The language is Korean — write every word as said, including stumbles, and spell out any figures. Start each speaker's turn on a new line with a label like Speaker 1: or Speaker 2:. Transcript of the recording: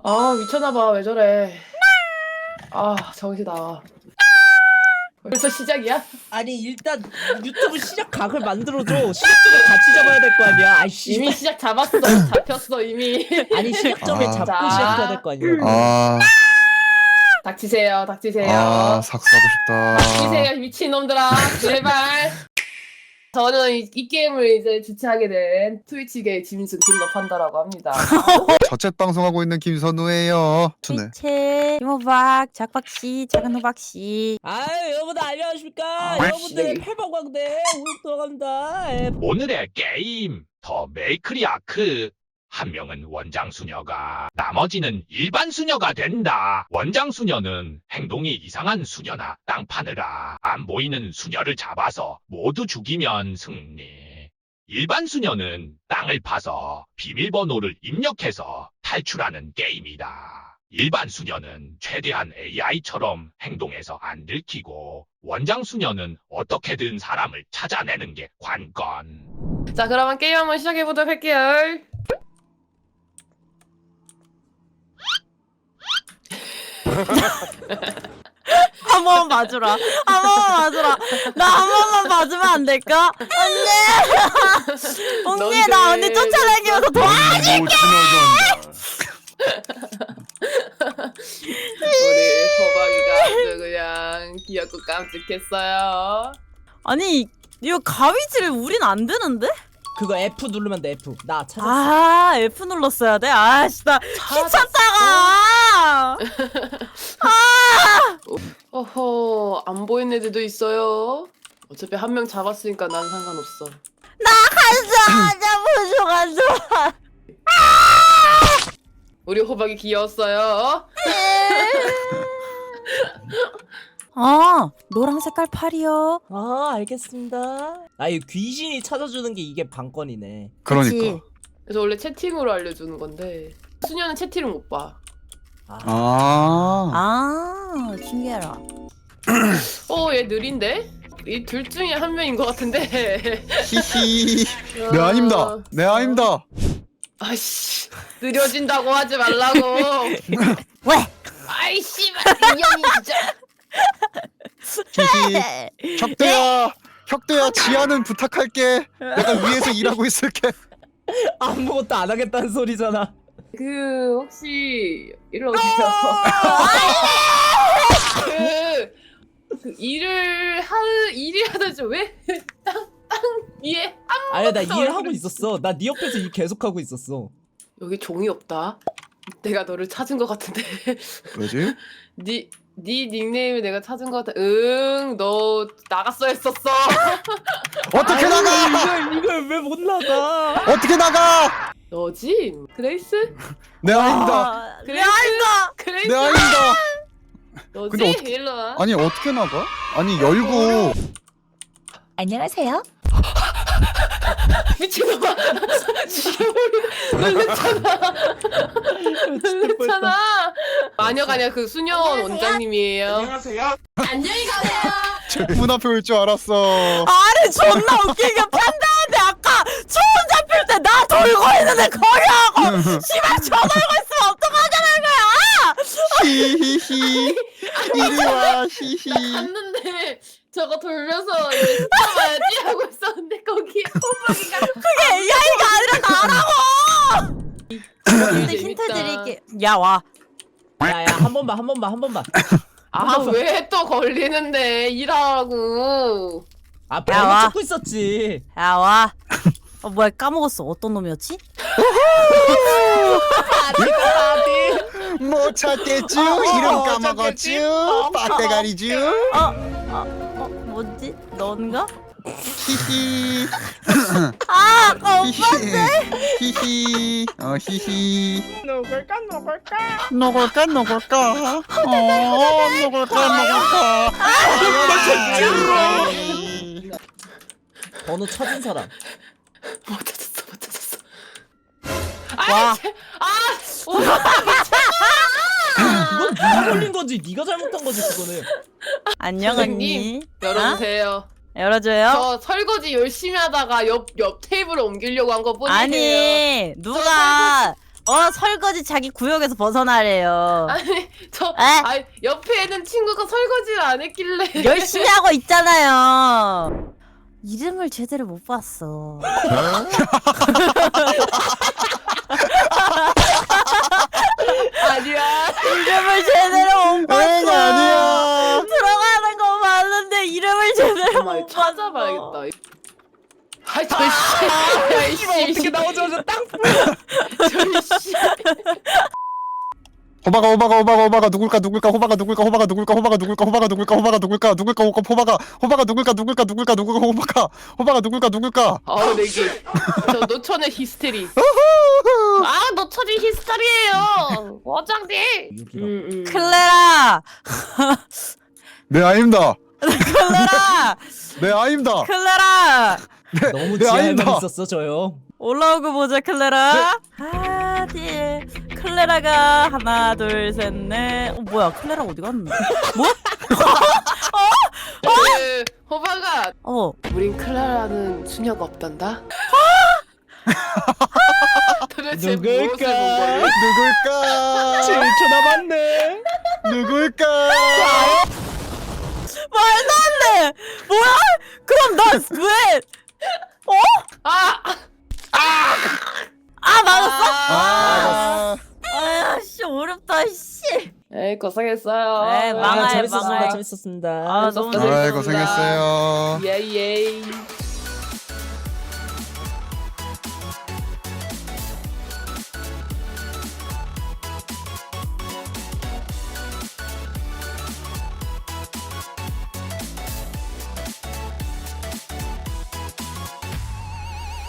Speaker 1: 아 미쳤나봐. 왜 저래. 아 정신 나와. 벌써 시작이야?
Speaker 2: 아니 일단 유튜브 시작 각을 만들어줘. 시작점에 같이 잡아야 될 거 아니야. 아이씨.
Speaker 1: 이미 시작 잡았어. 잡혔어 이미.
Speaker 2: 아니 시작점에
Speaker 3: 아.
Speaker 2: 잡고
Speaker 1: 자.
Speaker 2: 시작해야 될 거 아니야.
Speaker 3: 아,
Speaker 1: 닥치세요. 닥치세요.
Speaker 3: 아, 삭스하고 싶다.
Speaker 1: 닥치세요 미친놈들아. 제발. 저는 이, 이 게임을 이제 주최하게 된 트위치계의 짐승 딜러 판다라고 합니다.
Speaker 3: 저챗 방송하고 있는 김선우예요. 투네.
Speaker 4: 채 김호박 작박씨 작은 호박씨.
Speaker 2: 아유 여러분들 안녕하십니까.
Speaker 1: 아,
Speaker 2: 여러분들의
Speaker 1: 씨.
Speaker 2: 팔방광대 우육 돌아갑니다. 예.
Speaker 5: 오늘의 게임 더 메이크리 아크. 한 명은 원장 수녀가 나머지는 일반 수녀가 된다. 원장 수녀는 행동이 이상한 수녀나 땅 파느라 안 보이는 수녀를 잡아서 모두 죽이면 승리. 일반 수녀는 땅을 파서 비밀번호를 입력해서 탈출하는 게임이다. 일반 수녀는 최대한 에이아이처럼 행동해서 안 들키고 원장 수녀는 어떻게든 사람을 찾아내는 게 관건.
Speaker 1: 자 그러면 게임 한번 시작해보도록 할게요.
Speaker 4: 한 번만 봐주라. 한 번만 봐주라. 나 한 번만 봐주면 안 될까? 언니. 언니 나 언니 쫓아내기 위해서 도와.
Speaker 3: 못 지나간다.
Speaker 1: 우리 호박이가 아주 그냥 귀엽고 깜찍했어요.
Speaker 4: 아니 이거 가위질 우린 안 되는데?
Speaker 2: 그거 F 누르면 돼. F. 나 찾았어.
Speaker 4: 아 F 눌렀어야 돼. 아씨 나 귀찮다가.
Speaker 1: 어허 안 보이는 애들도 있어요. 어차피 한 명 잡았으니까 난 상관없어.
Speaker 4: 가자 나 보조 가자.
Speaker 1: 우리 호박이 귀여웠어요.
Speaker 4: 아 노랑 색깔 팔이요.
Speaker 2: 아 알겠습니다. 아이 귀신이 찾아주는 게 이게 방건이네.
Speaker 3: 그러니까.
Speaker 1: 그래서 원래 채팅으로 알려주는 건데 수녀는 채팅을 못 봐.
Speaker 2: 아,
Speaker 3: 아,
Speaker 4: 아 신기해라.
Speaker 1: 어 얘 느린데? 이 둘 중에 한 명인 것 같은데.
Speaker 3: 히히. 네, 아닙니다. 네, 아닙니다.
Speaker 1: 아이씨 느려진다고 하지 말라고.
Speaker 4: 왜?
Speaker 1: 아이 씨발 이 형이 진짜.
Speaker 3: 히히. 혁대야, 혁대야, 지하는 부탁할게. 내가 위에서 일하고 있을게.
Speaker 2: 아무것도 안 하겠다는 소리잖아.
Speaker 1: 그 혹시 일로 오세요. 그, 그 일을 하 일이 하다지 왜땅땅 위에
Speaker 2: 아니야 나
Speaker 1: 아무것도
Speaker 2: 일 하고
Speaker 1: 안
Speaker 2: 있었어. 나 네 옆에서 일 계속 하고 있었어.
Speaker 1: 여기 종이 없다. 내가 너를 찾은 것 같은데.
Speaker 3: 왜지?
Speaker 1: 네, 네 닉네임을 내가 찾은 것 같아. 응, 너 나갔어 했었어.
Speaker 3: 어떻게 나가?
Speaker 2: 이걸 이걸 왜 못 나가?
Speaker 3: 어떻게 나가?
Speaker 1: 너지? 그레이스?
Speaker 3: 네, 아닙니다.
Speaker 4: 아,
Speaker 1: 그래?
Speaker 4: 미안하다.
Speaker 1: 그레이스?
Speaker 3: 네, 아닙니다.
Speaker 1: 너지?
Speaker 3: 근데 어떻게-
Speaker 1: 일로 와.
Speaker 3: 아니, 어떻게 나가? 아니, 열고.
Speaker 4: 안녕하세요.
Speaker 1: 미친놈아. 지금 놀랬잖아. 놀랬잖아. 마녀가 아니라 그 수녀원 원장님이에요. 안녕히 가세요.
Speaker 3: 문 앞에 올 줄 알았어.
Speaker 4: 아니 존나 웃기게 판다한테 아까 초원 잡힐 때 나 돌고 있는데 거기 하고 씨발 저 돌고 있으면 어떡하자는 거야?
Speaker 3: 히히히. 이리 와, 히히.
Speaker 1: 갔는데 저거 돌면서 이제 스쳐봐야지 하고 있었는데 거기에 호박이가
Speaker 4: 그게 에이아이가 아니라 나라고. 근데
Speaker 1: 재밌다.
Speaker 4: 힌트 드릴게. 야 와.
Speaker 2: 야야 한 번만 한 번만 한 번만.
Speaker 1: 아 왜 또 걸리는데 일하라고.
Speaker 2: 아
Speaker 4: 야,
Speaker 2: 번호
Speaker 4: 와.
Speaker 2: 찾고 있었지.
Speaker 4: 야 와. 어 뭐야 까먹었어. 어떤 놈이었지?
Speaker 2: 아디
Speaker 3: 못 찾겠쥬?
Speaker 2: 어,
Speaker 3: 이름
Speaker 2: 어,
Speaker 3: 까먹었쥬?
Speaker 2: 찾겠지?
Speaker 3: 빠떼가리쥬?
Speaker 4: 어? 어? 어? 뭐지? 넌가?
Speaker 3: 히히.
Speaker 4: 아 아까
Speaker 3: 히히. 히히. 어, 히히.
Speaker 2: 누굴까 누굴까?
Speaker 3: 녹을까, 녹을까? 어, 녹을까, 녹을까?
Speaker 2: 번호 찾은 사람.
Speaker 1: 못 찾았어 못 찾았어.
Speaker 4: 와.
Speaker 1: 아
Speaker 2: 그건 네가 걸린 거지. 네가 잘못한 거지 그거는.
Speaker 4: 안녕
Speaker 1: 선생님,
Speaker 4: 언니.
Speaker 1: 열어주세요.
Speaker 4: 아? 열어줘요?
Speaker 1: 저 설거지 열심히 하다가 옆 옆 테이블을 옮기려고 한 거 뿐이에요.
Speaker 4: 아니 누가 어 설거지 자기 구역에서 벗어나래요.
Speaker 1: 아니 저
Speaker 4: 에?
Speaker 1: 아니 옆에 있는 친구가 설거지를 안 했길래
Speaker 4: 열심히 하고 있잖아요. 이름을 제대로 못 봤어.
Speaker 1: 아니야.
Speaker 4: 이름을 제대로 못 봤어.
Speaker 3: 엥 아니야.
Speaker 4: 들어가는 거 봤는데 이름을 제대로
Speaker 1: 정말
Speaker 4: 못 봤어.
Speaker 1: 찾아봐야겠다. 아이 저씨,
Speaker 2: 이거 어떻게 나오자마자 땅
Speaker 1: 저씨.
Speaker 3: 호박아 호박아 호박아 호박아 누굴까 누굴까 호박아 누굴까 호박아 누굴까 호박아 누굴까 호박아 누굴까 호박아 누굴까 누굴까 호박아 호박아 누굴까 누굴까 누굴까 누굴까 호박아 호박아 누굴까 누굴까.
Speaker 1: 아 내기. 저 노천의 히스테리. 아 노천이 히스테리예요. 원장님. 음, 음.
Speaker 4: 클레라,
Speaker 3: 네 아닙니다.
Speaker 4: 클레라,
Speaker 3: 네 아닙니다.
Speaker 4: 클레라.
Speaker 2: 너무
Speaker 3: 네,
Speaker 2: 지하에만
Speaker 3: 아닙니다.
Speaker 2: 있었어 저요.
Speaker 4: 올라오고 보자 클레라. 하디 클레라가 하나 둘 셋 넷. 어 뭐야 클레라 어디 갔는데? 뭐?
Speaker 1: 그 호박아.
Speaker 4: 어
Speaker 1: 우린 클라라는 수녀가 없단다. 도대체
Speaker 2: 누굴까?
Speaker 1: 무엇을 본 거야?
Speaker 3: 누굴까
Speaker 2: 칠 초 남았네.
Speaker 3: 누굴까.
Speaker 4: 말도 안 돼. 뭐야? 그럼 나 왜?
Speaker 1: 아!
Speaker 4: 아 맞았어?
Speaker 3: 아
Speaker 4: 아씨 어렵다 씨.
Speaker 1: 에이 고생했어요.
Speaker 4: 에이, 망할,
Speaker 2: 아, 재밌었습니다.
Speaker 4: 망할.
Speaker 2: 재밌었습니다.
Speaker 4: 아 너무
Speaker 1: 재밌었어요.
Speaker 3: 아이 고생했어요.
Speaker 1: 예예.